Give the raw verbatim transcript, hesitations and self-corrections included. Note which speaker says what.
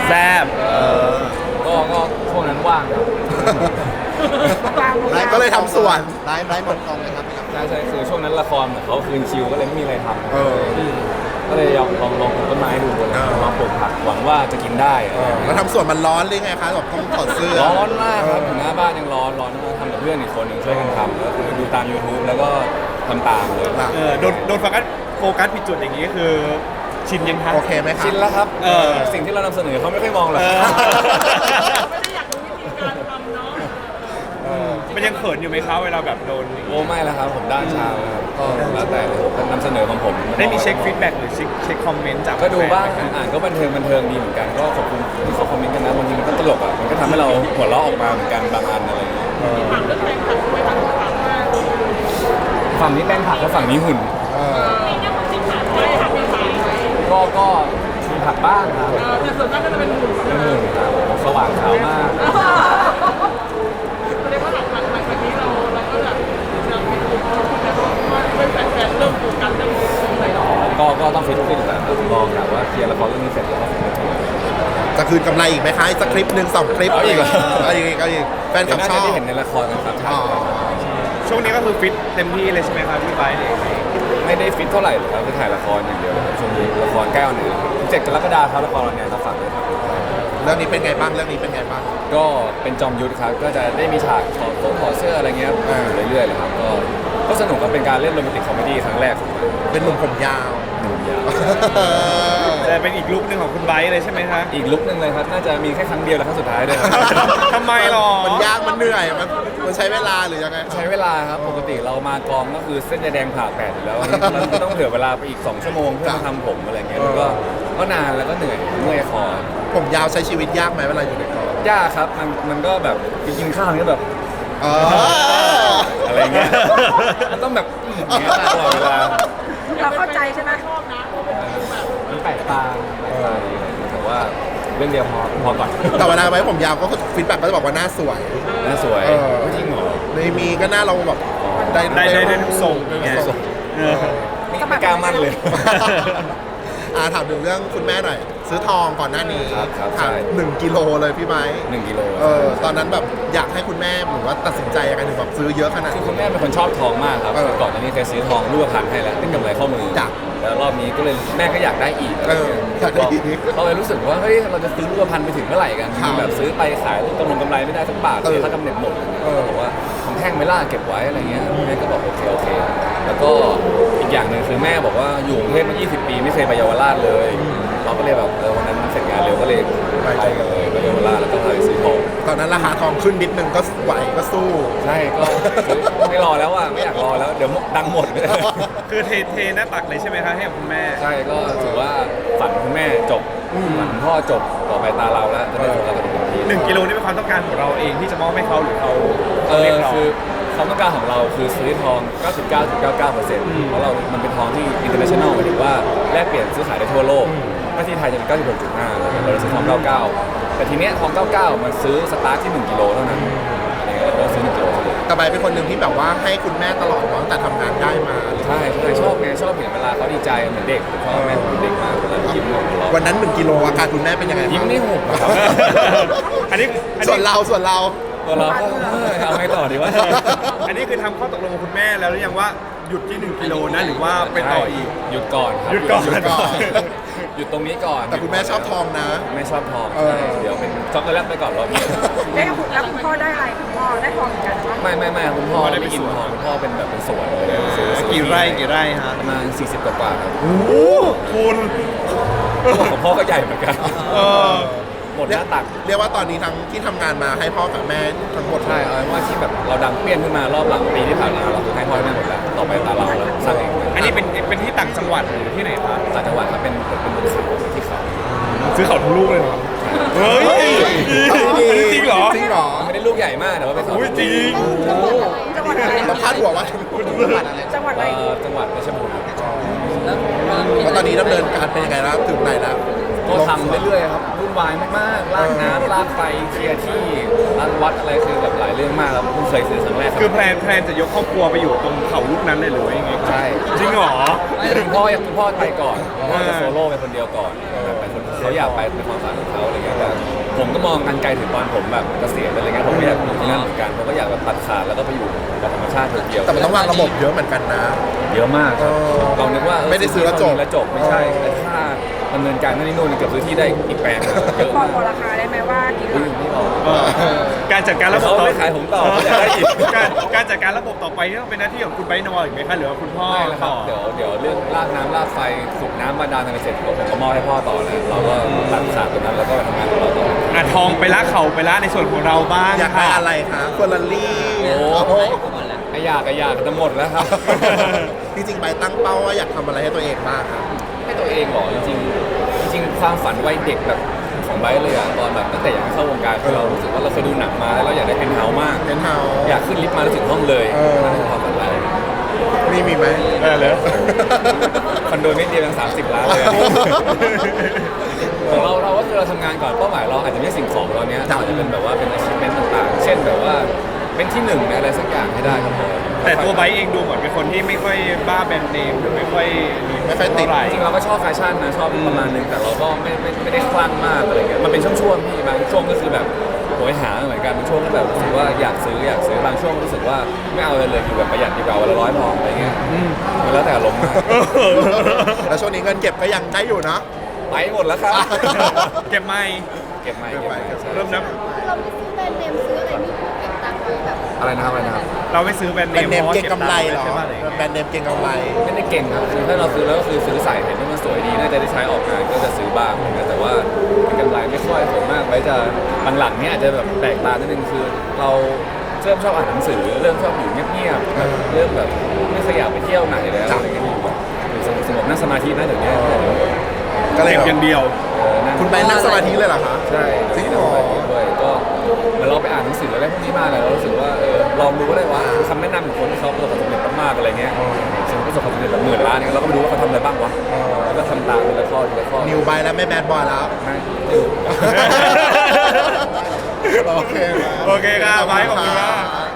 Speaker 1: แซ่บ
Speaker 2: ก็ก็ช่วงนั้นว่างครับ
Speaker 3: ไลฟ์ก็เลยทำสวนไลฟ์ไลฟ์หมดกองเลยครับ
Speaker 2: ใช่ใช่คือช่วงนั้นละครเหมือนเขาคืนคิวก็เลยไม่มีอะไรท
Speaker 3: เออ
Speaker 2: ำก็เลยลองลองลองปลูกต้นไม้ดูเลย
Speaker 3: เออ
Speaker 2: ลองปลูกผักหวังว่าจะกินได้
Speaker 3: แล้วทำสวนมันร้อนหรือไงคะแบบต้องถอดเสื้อ
Speaker 2: ร้อนมากครับอยู่หน้าบ้านยังร้อนร้อนมากทำกับเพื่อนอีกคนหนึ่งช่วยกันทำก็คือดูตาม YouTube แล้วก็ทำตามเลย
Speaker 3: อ่ะ
Speaker 1: เออโดนโดนโฟกัสโฟกัสผิดจุดอย่างนี้คือชินยังคะ
Speaker 3: โอเคไหมคะ
Speaker 2: ชินแล้วครับ
Speaker 1: เออ
Speaker 2: สิ่งที่เรานำเสนอเขาไม่ค่อยมองหรอก
Speaker 1: เออ
Speaker 4: ไม่ได้อยากรู้วิธีการทำเนาะ
Speaker 1: มันยังเขินอยู่ไหมคะเวลาแบบโดนอย่าง
Speaker 2: โอ้
Speaker 1: นี้
Speaker 2: ไม่แล้วครับผมด้านชาวครับก็แล้วแต่เลยนำเสนอของผม
Speaker 1: ได้มีเช็คฟีดแบ็กหรือเช็คเช็คคอมเมนต์จาก
Speaker 2: ก็ดูบ้าง
Speaker 1: แฟนๆไหมคะ
Speaker 2: อ่านก็บันเทิงบันเทิงดีเหมือนกันก็ขอบคุณที่เขาคอมเมนต์กันนะบางทีมันก็ตลกอ่ะมันก็ทำให้เราหัวเราะออกมาเหมือนกันบางอันอะไรอย่างเงี้ย
Speaker 4: ถามเรื่องแรงขัดด้วยทางถามว่า
Speaker 2: ฝั่งนี้แป้งผักแล้วฝั่งนี้หุ่น
Speaker 3: เออ
Speaker 4: มีเนี่ยคนที่ขาดไปหักไปขาย
Speaker 2: ก็ก็มีผักบ้างครับ
Speaker 4: เออแต่ส่วนมากก็จะเป็นหุ่น
Speaker 2: เป็นหุ่นครับสว่างขาวมาก
Speaker 4: แสดงว่าหลังหลังหลังจากนี้เราเราก็แบบเรามีกลุ่มคนแล้วก็เป็นแฟนๆเริ่มโฟกัสเรื่องไหนหรอ
Speaker 2: ก็ก็ต้องฟิตขึ้นแหละครับรอครับว่าเคลียร์ละครเรื่องนี้เสร็จแล้วก็ฟิตขึ้น
Speaker 3: จะคืนกำไรอีกไหมคะอีกสักคลิปหนึ่งสองคลิป
Speaker 2: เอาอีกเหรอ
Speaker 3: เอาอีกเอาอีกแฟนค
Speaker 2: เดี๋
Speaker 3: ลั
Speaker 2: ยวน่า
Speaker 3: บชอ
Speaker 2: จะ
Speaker 3: บ
Speaker 2: ได้เห็นในละครกันครับ
Speaker 3: อ๋อ
Speaker 1: ช่วงนี้ก็คือฟิตเต็มที่เลยใช่ไหมครับพี่ไบร์ทเนี่ย
Speaker 2: ไม่ได้ฟิตเท่าไหร่หรอกครับคือถ่ายละครอย่างเดียวเลยครับช่วงนี้ละครใกล้ออนแอร์เจ็ดกรกฎาคมครับละครออนแอร์ครับฝากด้วยครับ
Speaker 3: เรื่องนี้เป็นไงบ้างเรื่องนี้เป็นไงบ้าง
Speaker 2: ก็เป็นจอมยุทธครับก็จะได้มีฉากถอดโค้งถอดเสื้ออะไรเงี้ย
Speaker 3: อ่า
Speaker 2: อยู่เรื่อยๆเลยครับก็ก็สนุกครับเป็นการเล่นโรแมนติกคอมเมดี้ครั้งแรกของผม
Speaker 3: เป็นหนุ่มผมยาว
Speaker 2: หนุ่มยาว
Speaker 1: จะเป็นอีกลุคหนึ่งของคุณไบร์ทเลยใช่ไหมคะ
Speaker 2: อีกลุกหนึ่งเลยครับน่าจะมีแค่ครั้งเดียวและครั้งสุดท้ายด้วยครับ
Speaker 1: ทำไมหรอ
Speaker 3: มันยากมันเหนื่อยมันมันใช้เวลาหรือยังไง
Speaker 2: ใช้เวลาครับปกติเรามากองก็คือเส้นยาแดงผ่าแปดอยู่แล้วอันนี้เราต้องเผื่อเวลาไปอีกสองชั่วโมงเพื่อมาทำผมอะไรเงี้ยแล้วก็ก็นานแล้วก็เหนื่อยเมื่อยคอ
Speaker 3: ผมยาวใช้ชีวิตยากไหมเวลาอยู่ในกอง
Speaker 2: ยากครับมันมันก็แบบไปกินข้าวนี่ก็แบบ
Speaker 3: เออ
Speaker 2: อะไรเงี้ยมันต้องแบบอย่างเงี้ยตลอดเวลา
Speaker 4: เราเข้าใจใช่ไหมชอบนะเพราะเป็นฟิลแบบ
Speaker 2: มันแปลกตาแปลกตาดีแต่ว่าเรื่องเดียวพอพอก่อน
Speaker 3: แต่เวลาไว้ผมยาวก็ฟีดแบ็กก็จะบอกว่าหน้าสวย
Speaker 2: น่าสวย
Speaker 3: เออ
Speaker 2: จริงเหรอ
Speaker 3: ในมีก็หน้าเราแบบได้
Speaker 1: ได้ได้ได้ทุกทรงไง
Speaker 3: ทรง
Speaker 1: เออ
Speaker 2: ไม่ไม่กล้ามั่นเลย
Speaker 3: อ่าถามถึงเรื่องคุณแม่หน่อย ซื้อทองก่อนหน้านี้
Speaker 2: ครับครับ
Speaker 3: ถาม
Speaker 2: ใช่
Speaker 3: หนึ่งกิโลเลยพี่ไม้
Speaker 2: หนึ่งกิโล
Speaker 3: เออตอนนั้นแบบอยากให้คุณแม่หรือว่าตัดสินใจยังไงถึงแบบซื้อเยอะขนาด
Speaker 2: คือ
Speaker 3: นี้
Speaker 2: คุณแม่เป็นคนชอบทองมากครับ
Speaker 3: เออ
Speaker 2: ก่อนหน้านี้เคยซื้อทองรูปพรรณให้แล้วเป็นกำไรข้อมือ
Speaker 3: จ้ะ
Speaker 2: แล้วรอบนี้ก็เลยแม่ก็อยากได้อีก
Speaker 3: เอออยากได้อีก
Speaker 2: เขาเลยรู้สึกว่าเฮ้ยเราจะซื้อรูปพรรณไปถึงเมื่อไหร่กัน
Speaker 3: ครับ
Speaker 2: แบบซื้อไปขายกำไรกำไรไม่ได้สักบาท
Speaker 3: เออ
Speaker 2: เสียค่ากำเนิดหมด
Speaker 3: เออ
Speaker 2: บอกว่าทำแท่งไม่ล่าเก็บไว้อะไรเงี้ยแม่ก็บอกโอเคโอเค แล้วก็อีกอย่างหนึ่งคือแม่บอกว่าอยู่กรุงเทพมายี่สิบปีไม่เคยไปเยาวราชเลย เราก็เลยแบบเออวันนั้นเสร็จงานเร็วก็เลยไปกันเลยไปเยาวราชแล้วก็พาไปซื้อทอง
Speaker 3: ตอนนั้นราคาทองขึ้นนิดนึงก็ไหวก็สู้
Speaker 2: ใช่ก็ไม่รอแล้วอ่ะไม่อยากรอแล้วเดี๋ยวดังหมด
Speaker 1: คือเทเทหน้าตักเลยใช่ไหมคะให้กับคุณแม่
Speaker 2: ใช่ก็ถือว่าฝันคุณแม่จบฝันพ่อจบต่อไปตาเราแล้วจะได้โฟกัสกับตัวเอง
Speaker 1: หนึ่งกิโลนี่เป็นความต้องการของเราเองที่จะมอบให้เขาหรือเขา
Speaker 2: เอ
Speaker 1: เรีย
Speaker 2: อก
Speaker 1: ร้อง
Speaker 2: คือความต้องการของเราคือซื้อทอง เก้าสิบเก้าจุดเก้าเก้าเปอร์เซ็นต์ เพราะเรา มันเป็นทองที่ international หมายถึงว่าแลกเปลี่ยนซื้อขายได้ทั่วโลกถ้าที่ไทยจะเป็น เก้าสิบหกจุดห้า เราเลยซื้อทอง เก้าสิบเก้า แต่ทีเนี้ยทอง เก้าสิบเก้า มันซื้อสตาร์ทที่หนึ่งกิโลเท่านั้นอะไรเงี้ยเราก็ซื้อหนึ่งกิโลเลย
Speaker 3: แต่ใบเป็นคนหนึ่งที่แบบว่าให้คุณแม่ตลอดเนาะตั้งแต่ทำงานได้มา
Speaker 2: ใช่ใช่ชอบไงชอบเห็นเวลาเขาดีใจเหมือนเด็กผมชอบแม่ผมเป็นเด็กมากเวลายิ้มหัวเราะ
Speaker 3: วันนั้นหนึ่งกิโลอาการคุณแม่เป็นยังไงบ้าง
Speaker 2: ยิ้มนี่หุบอะครับ
Speaker 1: อันนี้อัน
Speaker 3: ส่วน
Speaker 1: นี้
Speaker 3: เราส่วนเรา
Speaker 2: ตัวเราก็เออเอาไงต่อดีวะ
Speaker 1: อันนี้คือทำข้อตกลงกับคุณแม่แล้วหรือยังว่าหยุดที่หนึ่งกิโลนะหรือว่าไปต่ออีก
Speaker 2: หยุดก่อนครับ
Speaker 1: หยุดก่อน
Speaker 2: หยุดก่อน หยุดตรงนี้ก่อน
Speaker 3: แต่คุณแม่ชอบทองนะ
Speaker 2: ไม่ชอบทอง
Speaker 3: เออ
Speaker 2: ใช่เดี๋ยวเป็นช็อกโกแลตไปก่อนรอบนี้
Speaker 4: ได้คุณแล้วคุณพ่อได้อะไรคุณพ่อได้ทองเหมือนกันใช่ไหม
Speaker 2: ไม่ไม่ไม่คุณพ่อ
Speaker 1: พ่อได้
Speaker 2: ไม่
Speaker 1: ไป
Speaker 2: กิน
Speaker 1: สวน
Speaker 2: ทองคุณพ่อเป็นแบบเป็นสวนเลยซื้อ
Speaker 1: กี่ไร่กี่ไร่ฮะ
Speaker 2: ประมาณสี่สิบกว่าๆครับ
Speaker 1: โอ้คุณ
Speaker 2: ของพ่อก็ใหญ่เหมือนกัน
Speaker 1: เออ
Speaker 2: หมดหน้าตัก
Speaker 3: เรียกว่าตอนนี้ทั้งที่ทำงานมาให้พ่อกับแม่ทั้งหมด
Speaker 2: ใช่เอาเป็นว่าที่แบบเราดังเปี้ยนขึ้นมารอบหลังปีที่ผ่านมาเราคือให้พ่อให้แม่หมดแล้วต่อไปตาเราแล้วสร้างเอง
Speaker 1: อันนี้เป็นเป็นที่ต่างจังหวัดหรือที่ไหนคะ
Speaker 2: ต่างจังหวัดครับเป็นเป็นบนเขาที่เขา
Speaker 1: ซื้อเขาทั้งลูกเลยเหรอเฮ้ย
Speaker 3: เอาดี
Speaker 1: จริงเหรอ
Speaker 3: จริงเหรอ
Speaker 2: ไม่ได้ลูกใหญ่มากแต่ว่าเป็นเขา
Speaker 1: อุ้ยจริง
Speaker 4: จังหวัดอะไร
Speaker 3: เราพาดหัวว่า
Speaker 4: จังหวัดอะไร
Speaker 2: เอ่อจังหวัดเพชรบูรณ์ครับ
Speaker 3: ว่าตอนนี้ดำเนินการเป็นยังไงแล้วถึงไหนแล้ว
Speaker 2: ก็ทำเรื่อยๆครับวุ่นวายมากๆลากน้ำลากไฟเคลียร์ที่รันวัดอะไรคือแบบหลายเรื่องมากครับเพิ่งเคยซื้อครั้งแรกรับ
Speaker 1: คือแพลนแพลนจะยกครอบครัวไปอยู่ตรงเขาลูกนั้นเลยหรือว่ายังไง
Speaker 2: ใช่
Speaker 1: จริงเหรอ
Speaker 2: คุณพ่ออยากคุณพ่อไปก่อนคุณพ่อจะโซโล่ไปคนเดียวก่อนแบบไปคนเขาอยากไปเป็นความฝันของเขาอะไรเงี้ยแต่ผมก็มองกันไกลถึงตอนผมแบบเกษียณอะไรเงี้ยผมก็อยากอยู่ที่นั่นเหมือนกันผมก็อยากแบบตัดขาดแล้วก็ไปอยู่กับธรรมชาติเดียวๆ
Speaker 3: แต่มันต้องวางระบบเยอะเหมือนกันนะ
Speaker 2: เยอะมากครับ
Speaker 3: เออ
Speaker 2: เรานึกว่าเออ
Speaker 3: ไม่ได้ซื้อแล้วจบ
Speaker 2: แล้วจบไม่ใช่แต่ถ้าดำเนินการนั่นนี่นู่นเกือบซื้อที่ได้อีกแปลงนะเยอะ
Speaker 5: บอ
Speaker 2: มาก ก
Speaker 5: บอกราคาได้ไหมว่ากี่ห
Speaker 2: อุ้
Speaker 5: ลั
Speaker 2: ย
Speaker 5: ก
Speaker 2: ไม่บอก
Speaker 1: การจัดการระบบ
Speaker 2: เขาไม่ขายผมต่อเขาอยากได้อีก
Speaker 1: การการจัดการระบบต่อไปนี่ต้องเป็นหน้าที่ของคุณไบร์ทนออีกไหมคะหรือว่าคุณพ่อ
Speaker 2: ไม่แล้วครั
Speaker 1: ต่
Speaker 2: บ
Speaker 1: อ
Speaker 2: เดี๋ยวเดี๋ยวเรื่องลากน้ำลากไฟสูบน้ำบาดาลอะไรเสร็จผมก็มอบให้พ่อต่อแล้วเราก็ตัดขาดตรงนั้นแล้วก็ไปทำงานของเราต่อ
Speaker 1: อ่ะทองไปละเข่าไปละในส่วนของเราบ้าง
Speaker 3: อยากได้
Speaker 1: ค่ะ
Speaker 3: อะไรคะเฟอร์รารี่
Speaker 2: โอ้โหไออยากไออยากจะหมดแล้วครับ
Speaker 3: จริงๆไปตั้งเป้าว่าอยากทำอะไรให้ตัวเองบ้างครับ
Speaker 2: ให้ตัวเองเหรอจริงๆจริงๆความฝันวัยเด็กแบบของไบร์ทเลยอะตอนแบบตั้งแต่อยากเข้าวงการคือเรารู้สึกว่าเราเคยดูหนังมาแล้วเราอยากได้เป็นเฮาส์มาก
Speaker 3: เป็นเฮา
Speaker 2: อยากขึ้นลิฟต์มาแล้วถึงห้องเลย
Speaker 3: เออ
Speaker 2: นั่นคือความฝันเรา
Speaker 3: นี่มีไหม
Speaker 1: ได้เลย
Speaker 2: คอนโดนิดเดียวยังสามสิบล้านเลยอะของเราเราก็คือเราทำงานก่อนเป้าหมายเราอาจจะไม่ใช่สิ่งของตอนเนี้ยเราอาจจะเป็นแบบว่าเป็น achievement ต่างๆ เช่นแบบว่าเป็นที่หนึ่งในอะไรสักอย่างให้ได้ก็พอ
Speaker 1: แต่ตัวไบร์ทเองดูเหมือนเป็นคนที่ไม่ค่อยบ้าแบรนด์เนมหรือไม่ค่อย
Speaker 3: ไม่ค่อยติด
Speaker 1: เท่าไหร่
Speaker 2: จริงๆเราก็ชอบแฟชั่นนะชอบประมาณนึงแต่เราก็ไม่ไม่ไม่ได้คลั่งมากอะไรเงี้ยมันเป็นช่วงๆพี่บางช่วงก็คือแบบโหยหาเหมือนกันบางช่วงก็แบบรู้สึกว่าอยากซื้ออยากซื้อบางช่วงรู้สึกว่าไม่เอาเลยเลยอยู่แบบประหยัดดีกว่าวันละร้อยพออะไรเงี้ยมันแล้วแต่อารมณ์มาก
Speaker 3: แล้วช่วงนี้เงินเก็บก็ยังได้อยู่นะ
Speaker 2: ไปหมดแล้วครับ
Speaker 1: เก็บไม่
Speaker 2: เก็บไม่
Speaker 3: เก็
Speaker 2: เก็
Speaker 3: บบ ไว้
Speaker 2: ไม่ใช่
Speaker 1: เริ่มนับ
Speaker 5: เราไม่ซื้อแบรนด์เนมซื้ออะไรนี่เก็บตังค์ไว้แบบ
Speaker 2: อะไรนะครับอะไรนะครับ
Speaker 1: เราไม่ซื้อแบรนด์
Speaker 3: แบ
Speaker 1: เน
Speaker 3: รน
Speaker 1: ม
Speaker 3: ด์เนม
Speaker 1: พาะว่า
Speaker 3: เก่งกำไรเหรอ
Speaker 1: ใช่ปะอะไรอย่างเงี้ย
Speaker 3: แบรนด์เนมเก่งกำไร
Speaker 2: ไม่ได้เก่งครับคือถ้าเราซื้อแล้วก็คือซื้อใส่เห็นว่ามันสวยดีน่าจะได้ใช้ออกงานก็จะซื้อบ้างอะไรเงี้ยแต่ว่าเป็นกำไรไม่ค่อยผมมากไว้จะหลังๆเนี้ยอาจจะแบบแปลกตานิดนึงคือเราเริ่มชอบอ่านหนังสือเริ่มชอบอยู่เงียบๆแบบเริ่มแบบไม่ขยับไปเที่ยวไหนแล้วอะไรเงี้ยอยู่แบบอยู่สงบๆนั่งสมาธินะเดี๋ยวนี้
Speaker 3: ก็เลย
Speaker 1: เก็บ
Speaker 3: แบบ
Speaker 1: อย่างเดียว
Speaker 2: เออนั่ง
Speaker 3: คุณไปนั่งสมาธิเลยเหรอคะ
Speaker 2: ใช่
Speaker 3: จริงเหรอ
Speaker 2: ด้วยก็เหมือนเราไปอ่านหนังสืออะไรพวกนี้มาเลยเรารู้สึกว่าเออลองดูก็ได้ว่าคำแนะนำของคนที่เขาประสบความสำเร็จมากๆอะไรเงี้ยสมมติประสบความสำเร็จแบบหมื่นล้านเนี่ยเราก็ไปดูว่าเขาทำอะไรบ้างวะแล้วก็ทำตามทีละข้อทีละข้อ
Speaker 3: นิวไปแล้วไม่แบดบอยแล้ว
Speaker 2: ไม่ดู
Speaker 3: โอเคครับ
Speaker 1: โอเคครับไบร์ทขอบคุณมาก
Speaker 3: ครับ